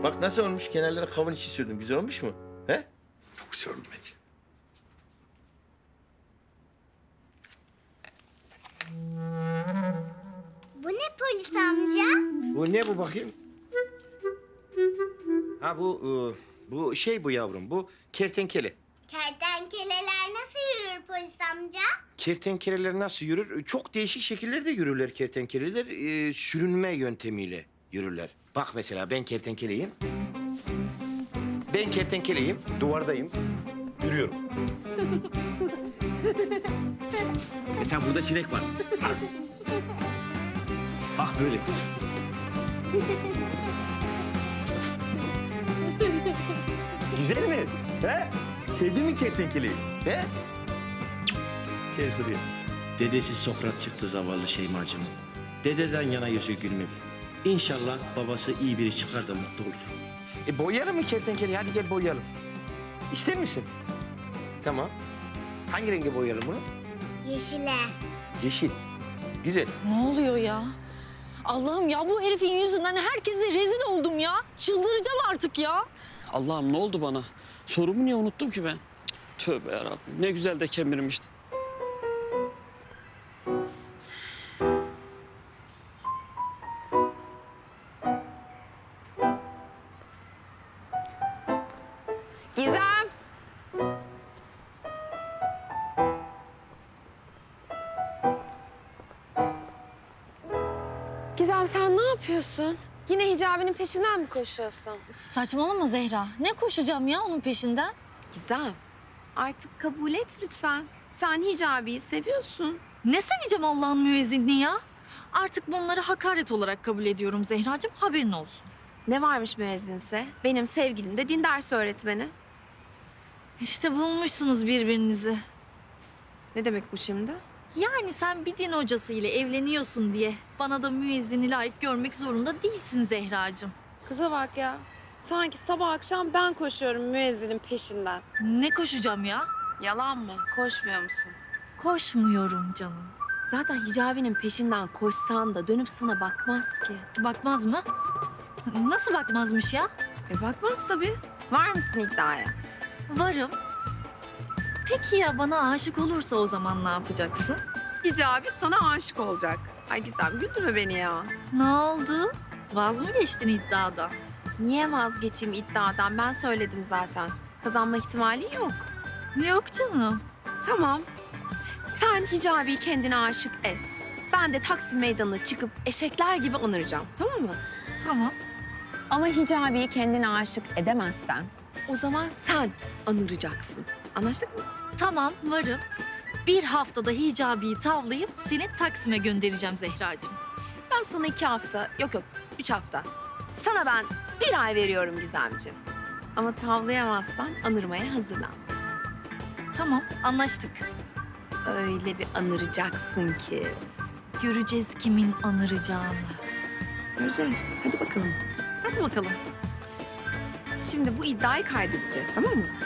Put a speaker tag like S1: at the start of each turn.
S1: Bak nasıl olmuş? Kenarlara kavun içi sürdüm. Güzel olmuş mu? He?
S2: Çok güzel oldu bence.
S3: Bu ne polis amca?
S1: Bu ne bu bakayım? Ha bu şey bu yavrum. Bu kertenkele.
S3: Kertenkeleler nasıl yürür polis amca?
S1: Kertenkeleler nasıl yürür? Çok değişik şekillerde yürürler kertenkeleler. Sürünme yöntemiyle yürürler. Bak mesela ben kertenkeleyim. Ben kertenkeleyim, duvardayım. Yürüyorum. Mesela burada sinek var. Bak böyle. Güzel mi? He? Sevdin mi kertenkeleyi? He? Gel şuraya. Dedesi Sokrat çıktı zavallı Şeymacığım. Dededen yana yüzü gülmedi. İnşallah babası iyi biri çıkar da mutlu olur. Boyayalım mı kertenkeleyi? Hadi gel boyayalım. İster misin? Tamam. Hangi renge boyayalım bunu?
S3: Yeşile.
S1: Yeşil. Güzel.
S4: Ne oluyor ya? Allah'ım ya bu herifin yüzünden herkese rezil oldum ya. Çıldıracağım artık ya.
S5: Allah'ım ne oldu bana? Sorumu niye unuttum ki ben? Tövbe yarabbim. Ne güzel de kemirmişti.
S6: Gizem! Gizem sen ne yapıyorsun? Yine hicabinin peşinden mi koşuyorsun?
S4: Saçmalama Zehra. Ne koşacağım ya onun peşinden?
S6: Gizem, artık kabul et lütfen. Sen hicabiyi seviyorsun.
S4: Ne seveceğim Allah'ın müezzinini ya? Artık bunları hakaret olarak kabul ediyorum Zehracığım. Haberin olsun.
S6: Ne varmış müezzinse? Benim sevgilim de din dersi öğretmeni.
S4: İşte bulmuşsunuz birbirinizi.
S6: Ne demek bu şimdi?
S4: Yani sen bir din hocası ile evleniyorsun diye bana da müezzini layık görmek zorunda değilsin Zehracığım.
S6: Kıza bak ya. Sanki sabah akşam ben koşuyorum müezzinin peşinden.
S4: Ne koşacağım ya?
S6: Yalan mı? Koşmuyor musun?
S4: Koşmuyorum canım.
S6: Zaten hicabinin peşinden koşsan da dönüp sana bakmaz ki.
S4: Bakmaz mı? Nasıl bakmazmış ya?
S6: Bakmaz tabii. Var mısın iddiaya?
S4: Varım. Peki ya bana aşık olursa o zaman ne yapacaksın?
S6: Hicabi sana aşık olacak. Ay Gizem güldürme beni ya.
S4: Ne oldu? Vaz mı geçtin iddiada?
S6: Niye vazgeçeyim iddiadan? Ben söyledim zaten. Kazanma ihtimali yok.
S4: Yok canım.
S6: Tamam. Sen Hicabi'yi kendine aşık et. Ben de Taksim Meydanı'na çıkıp eşekler gibi anıracağım. Tamam mı?
S4: Tamam.
S6: Ama Hicabi'yi kendine aşık edemezsen o zaman sen anıracaksın. Anlaştık mı?
S4: Tamam varım. Bir haftada hicabiyi tavlayıp seni Taksim'e göndereceğim Zehracığım.
S6: Ben sana 2 hafta, yok 3 hafta. Sana ben 1 ay veriyorum Gizemciğim. Ama tavlayamazsan anırmaya hazırlan.
S4: Tamam anlaştık.
S6: Öyle bir anıracaksın ki.
S4: Göreceğiz kimin anıracağını.
S6: Göreceğiz. Hadi bakalım.
S4: Hadi bakalım.
S6: Şimdi bu iddiayı kaydedeceğiz, tamam mı?